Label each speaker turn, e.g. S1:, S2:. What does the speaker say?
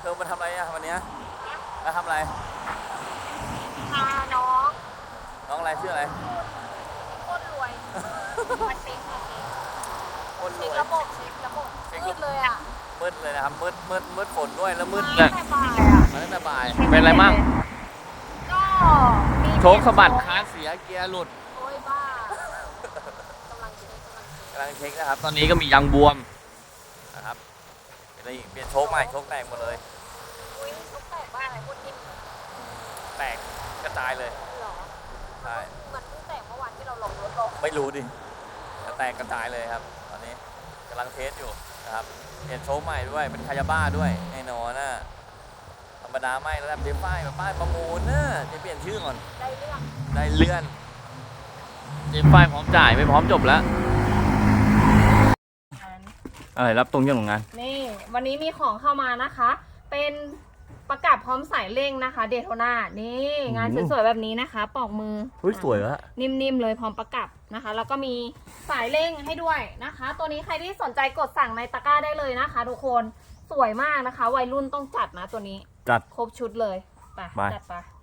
S1: ธอมาทำอะไรอะวันนี้มาทำอะไร
S2: พาน้อง
S1: น้องอะไรชื่ออะไร
S2: โคตรรวยมาเช็ค
S1: คนรวย
S2: ระบบเช็คระบบมืดเลยอ่ะ
S1: มืดเลยนะครับมืดฝนด้วยแล้วมืด
S2: ตั้งแต่บ่ายอ่ะ
S1: มาตั้งแต่บ่ายเป็นอะไรมั่ง
S2: ก็มี
S1: โชคสะบัดคาเสียเกียร์หลุด
S2: โอ้ยบ้ากำลังเช็ค
S1: นะครับตอนนี้ก็มียางบวมนะครับเป็นอะไรอีกเปลี่ยนโชคใหม่โชคแตกหมดเลย
S2: อุ้ยชุบแตกบ้าอะไรพูดนิ่ม
S1: แตกกระจายเลย
S2: หรอ
S1: ใช่
S2: มันเพิ่งแตกเมื่อวานที่เราลงรถลง
S1: ไม่รู้ดิแตกกระจายเลยครับตอนนี้กำลังเทสอยู่นะครับเปลี่ยนโชคใหม่ด้วยเป็นคาญาบ้าด้วยแน่นอนนะธรรมดาไม่แล้วเดี๋ยวป้ายประมูลนะจะเปลี่ยนชื่อก่อน
S2: ได้เรื่อง
S1: ได้เลื่อนเดี๋ยวป้ายพร้อมจ่ายไม่พร้อมจบแล้วอะไรรับตรงยังของงาน
S2: นี่วันนี้มีของเข้ามานะคะ เป็นประกับพร้อมสายเร่งนะคะเดโทนานี่งานสวยๆแบบนี้นะคะปอกมือ
S1: สวยอะ
S2: นิ่มๆเลยพร้อมประกับนะคะแล้วก็มีสายเร่งให้ด้วยนะคะ ตัวนี้ใครที่สนใจกดสั่งในตะกร้าได้เลยนะคะทุกคนสวยมากนะคะวัยรุ่นต้องจัดนะตัวนี้
S1: จัด
S2: ครบชุดเลยไปจัดไป